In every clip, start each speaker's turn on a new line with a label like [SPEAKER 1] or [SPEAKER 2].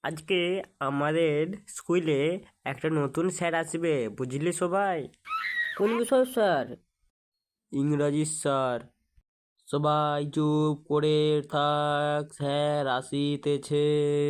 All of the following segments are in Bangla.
[SPEAKER 1] আজকে আমাদের স্কুলে একটা নতুন স্যার আসবে, বুঝলি সবাই?
[SPEAKER 2] কোন বিষয় স্যার?
[SPEAKER 1] ইংরাজি স্যার। সবাই চুপ করে থাক, স্যার আসিতেছে।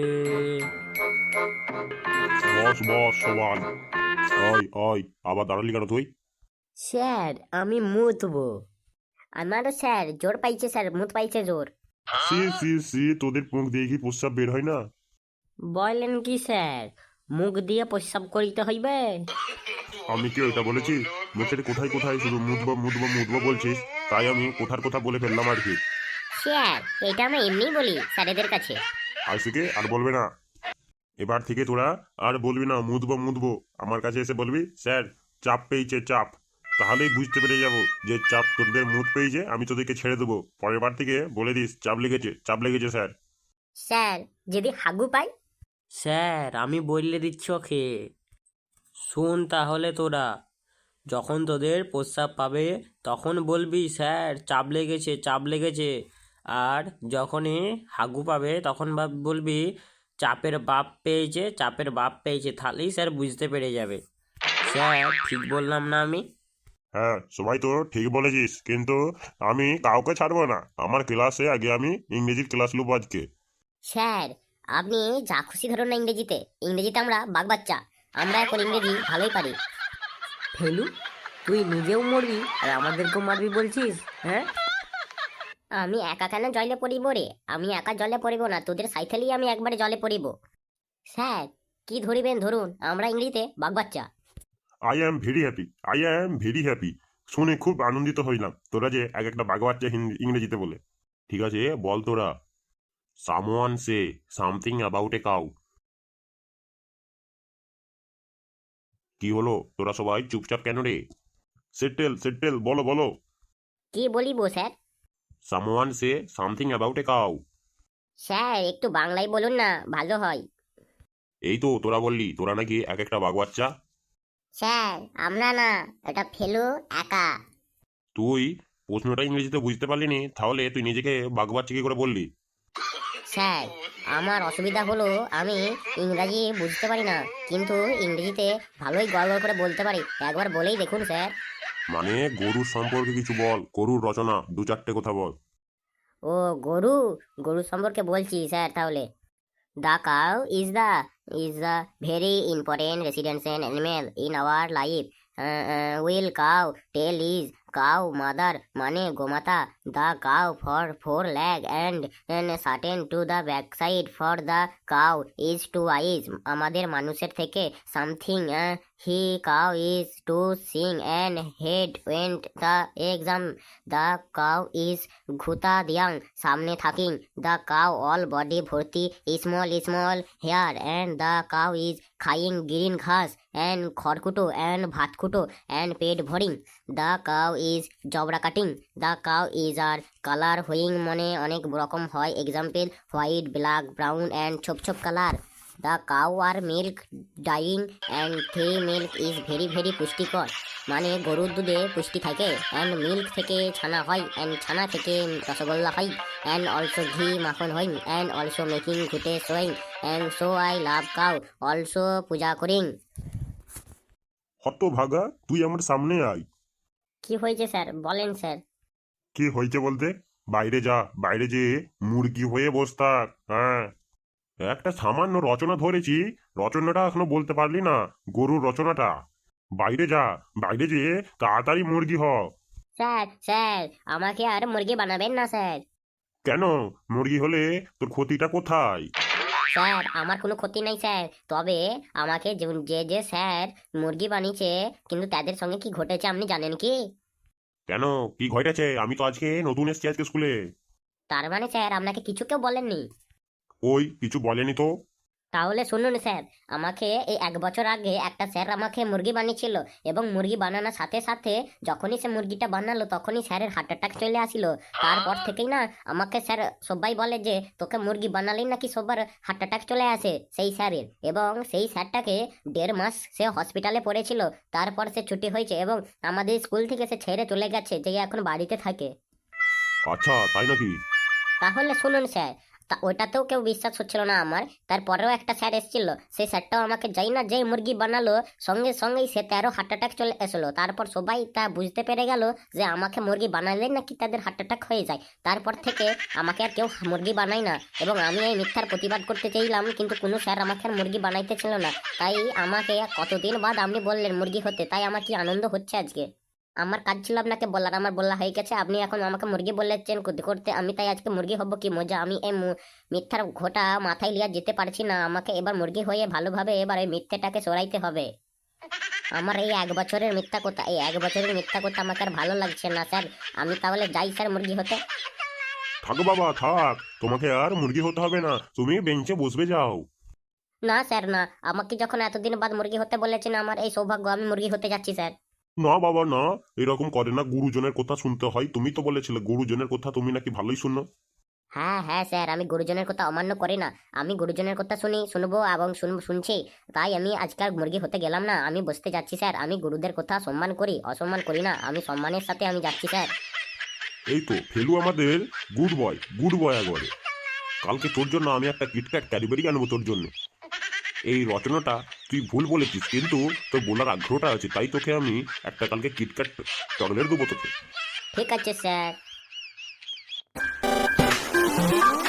[SPEAKER 3] বস বস সবাই। ওই ওই, আবার দাঁড়ালি কেন তুই?
[SPEAKER 2] স্যার আমি মুতবো। আমারও স্যার জোর পাইছে, স্যার মুত পাইছে জোর।
[SPEAKER 3] সি সি সি, তোদের মুখ দিয়ে কি প্রস্রাব বের হয় না?
[SPEAKER 2] বলেন কি স্যার, মুখ দিয়ে প্রস্রাব করিতে হইবে?
[SPEAKER 3] আমি কি ওইটা বলেছি? মুখের কোথায় কোথায় শুধু মুদবো মুদবো মুদবো বলছিস, তাই আমি কোথার কথা বলে ফেললাম আর কি।
[SPEAKER 2] স্যার এটা আমি এমনি বলি স্যারেদের কাছে।
[SPEAKER 3] আজ থেকে আর বলবে না। এবার থেকে তোরা আর বলবি না মুদবো মুদবো। আমার কাছে এসে বলবি স্যার চাপ পেয়েছে চাপ। তাহলেই বুঝতে পেরে যাব যে চাপ তোদের মুড পেয়েছে, আমি তোদেরকে ছেড়ে দেবো। পরের বার থেকে বলে দিস চাপ লেগেছে চাপ লেগেছে স্যার।
[SPEAKER 2] স্যার যদি হাগু পাই?
[SPEAKER 1] স্যার আমি বললে দিচ্ছি ওকে। শোন তাহলে তোরা, যখন তোদের প্রস্রাব পাবে তখন বলবি স্যার চাপ লেগেছে চাপ লেগেছে। আর যখনই হাগু পাবে তখন বলবি চাপের বাপ পেয়েছে চাপের বাপ পেয়েছে, তাহলেই স্যার বুঝতে পেরে যাবে। স্যার ঠিক বললাম না আমি?
[SPEAKER 3] হ্যাঁ সবাই তো ঠিক বলেছিস, কিন্তু আমি কাউকে ছাড়বো না। আমার ক্লাসে আগে আমি ইংরেজির ক্লাস নেবো আজকে।
[SPEAKER 2] স্যার আপনি যা খুশি ধরুন না ইংরেজিতে। ইংরেজিতে আমরা বাচ্চা, আমরা এখন ইংরেজি ভালোই পারি।
[SPEAKER 1] ফেলু, তুই নিজেও মরবি আর আমাদেরকেও মারবি বলছিস? হ্যাঁ,
[SPEAKER 2] আমি একা কেন জলে পড়িব রে? আমি একা জলে পড়িব না, তোদের সাইকেলেই আমি একবারে জলে পড়িব। স্যার কি ধরিবেন ধরুন, আমরা ইংরেজিতে বাচ্চা।
[SPEAKER 3] I am very happy, I am very happy. শুনে খুব আনন্দিত হইলাম তোরা যে এক একটা বাঘ বাচ্চা ইংরেজিতে বলে। ঠিক আছে বল তোরা। Someone say something about a cow. কি হলো, তোরা সবাই চুপচাপ কেন রে? সেটেল সেটেল, বলো বলো।
[SPEAKER 2] কি বলিব sir?
[SPEAKER 3] Someone say something about a cow.
[SPEAKER 2] Sir একটু বাংলায় বলুন না, ভালো হয়।
[SPEAKER 3] এই তো তোরা বললি তোরা নাকি এক একটা বাঘ বাচ্চা।
[SPEAKER 2] স্যার আমরা না, এটা ফেলু একা।
[SPEAKER 3] তুই প্রশ্নটা ইংরেজিতে বুঝতে পারলি নি, তাহলে তুই নিজেকে বাঘ বাচ্চা কি করে বললি?
[SPEAKER 2] স্যার আমার অসুবিধা হলো আমি ইংরাজি বুঝতে পারি না, কিন্তু ইংরেজিতে ভালোই গড় করে বলতে পারি। একবার বলেই দেখুন স্যার।
[SPEAKER 3] মানে গরুর সম্পর্কে কিছু বল, গরুর রচনা দু চারটে কথা বল।
[SPEAKER 2] ও গরু, গরু সম্পর্কে বলছি স্যার তাহলে। The cow is the very important residential animal in our life. Will cow tail is cow mother মানে গোমাতা. The cow for four leg and certain to the backside for the cow is two eyes. আমাদের মানুষের থেকে something he cow is to sing and head went the exam. The cow is ঘুতা দিয়াং সামনে থাকিং. The cow all body ভর্তি small hair and the cow is খাইং গ্রিন ঘাস and খড়কুটো and ভাতকুটো and পেট ভরিং. The cow is জবরা কাটিং. The cow is আর কালার হইং মানে অনেক রকম হয়, example white black brown and ছোপ ছোপ কালার. The cow আর মিল্ক ডাইং and three milk is very very পুষ্টিকর মানে গরুর দুধে পুষ্টি থাকে, অ্যান্ড মিল্ক থেকে ছানা হয়, অ্যান্ড ছানা থেকে রসগোল্লা হয়, অ্যান্ড অলসো ঘি মাখন হয়, অ্যান্ড অলসো মেকিং ঘুটে সোয়িং, and so I love cow also puja করিং.
[SPEAKER 3] হত ভাগা, তুই আমার সামনে আয়।
[SPEAKER 2] কি হয়েছে স্যার বলেন স্যার?
[SPEAKER 3] কি হয়েছে বলতে? বাইরে যা, বাইরে যেয়ে মুরগি হয়ে বস থাক। হ্যাঁ, একটা সামান্য রচনা ধরেছি, রচনাটা এখনো বলতে পারলি না, গরুর রচনাটা। বাইরে যা, বাইরে যেয়ে তাড়াতাড়ি মুরগি হ।
[SPEAKER 2] স্যার স্যার আমাকে আর মুরগি বানাবেন না স্যার।
[SPEAKER 3] কেন? মুরগি হলে তোর ক্ষতিটা কোথায়?
[SPEAKER 2] স্যার আমার কোনো ক্ষতি নাই স্যার, তবে আমাকে যে যে স্যার মুরগি বানিয়েছে, কিন্তু তাদের সঙ্গে কি ঘটেছে আপনি জানেন কি?
[SPEAKER 3] কেন, কি ঘটেছে? আমি তো আজকে নতুন এসেছি আজকে স্কুলে।
[SPEAKER 2] তার মানে স্যার আপনাকে কিছু কেউ বলেননি?
[SPEAKER 3] ওই কিছু বলেনি তো।
[SPEAKER 2] তাহলে শুনুন স্যার, আমাকে এই 1 বছর আগে একটা স্যার আমাকে মুরগি বানিয়েছিল, এবং মুরগি বানানোর সাথে সাথে যখনই সে মুরগিটা বানালো তখনই স্যারের হার্ট অ্যাটাক চলে আসিল। তারপর থেকেই না আমাকে স্যার সবাই বলে যে তোকে মুরগি বানালেই নাকি সবার হার্ট অ্যাটাক চলে আসে সেই স্যারের, এবং সেই স্যারটাকে 1.5 মাস সে হসপিটালে পড়েছিল। তারপর সে ছুটি হয়েছে এবং আমাদের স্কুল থেকে সে ছেড়ে চলে গেছে, যে এখন বাড়িতে থাকে।
[SPEAKER 3] আচ্ছা তাই নাকি?
[SPEAKER 2] তাহলে শুনুন স্যার, তা ওটাতেও কেউ বিশ্বাস হচ্ছিল না আমার। তারপরেও একটা স্যার এসেছিল, সেই স্যারটাও আমাকে যাই না যেই মুরগি বানালো সঙ্গে সঙ্গেই সে 13 হার্ট অ্যাটাক চলে এসলো। তারপর সবাই তা বুঝতে পেরে গেল যে আমাকে মুরগি বানালে নাকি তাদের হার্ট অ্যাটাক হয়ে যায়। তারপর থেকে আমাকে আর কেউ মুরগি বানায় না, এবং আমি এই মিথ্যার প্রতিবাদ করতে চাইলাম কিন্তু কোনো স্যার আমাকে আর মুরগি বানাইতে ছিল না। তাই আমাকে কতদিন বাদ আপনি বললেন মুরগি হতে, তাই আমার কি আনন্দ হচ্ছে আজকে। আমার কাজ ছিল আপনাকে বলার, আমার বলা হয়ে গেছে, আপনি এখন আমাকে মুরগি বলেছেন করতে করতে, আমি তাই আজকে মুরগি হব। কি মজা! আমি এই মিথ্যার ঘোটা মাথায় লিয়া যেতে পারছি না, আমাকে এবার মুরগি হয়ে ভালোভাবে এবার ওই মিথ্যেটাকে সরাইতে হবে। আমার এই 1 বছরের মিথ্যা কথা, এই 1 বছরের মিথ্যা কথা আমাকে আর ভালো লাগছে না স্যার। আমি তাহলে যাই স্যার মুরগি হতে।
[SPEAKER 3] থাক বাবা থাক, তোমাকে আর মুরগি হতে হবে না, তুমি বেঞ্চে বসবে যাও।
[SPEAKER 2] না স্যার না, আমাকে যখন এতদিন বাদ মুরগি হতে বলেছেন, আমার এই সৌভাগ্য, আমি মুরগি হতে যাচ্ছি স্যার।
[SPEAKER 3] না বাবা না, এরকম করে না, গুরুজনের কথা শুনতে হয়। তুমি তো বলেছিলে গুরুজনের কথা তুমি নাকি ভালোই শুনো।
[SPEAKER 2] হ্যাঁ হ্যাঁ স্যার, আমি গুরুজনের কথা অমান্য করি না, আমি গুরুজনের কথা শুনবো এবং শুনছি। তাই আমি আজকাল মুরগি হতে গেলাম না, আমি বসতে যাচ্ছি স্যার। আমি গুরুদের কথা সম্মান করি, অসম্মান করি না, আমি সম্মানের সাথে আমি যাচ্ছি স্যার।
[SPEAKER 3] এই তো ফেলু আমাদের গুড বয় একবারে। কালকে তোর জন্য আমি একটা কিটক্যাট ক্যাডবেরি আনবো তোর জন্য। এই রচনাটা তুই ভুল বলেছিস, কিন্তু তোর বলার আগ্রহটা আছে, তাই তোকে আমি একটা কালকে কিটক্যাট চকলেট দেবো তোকে।
[SPEAKER 2] ঠিক আছে স্যার।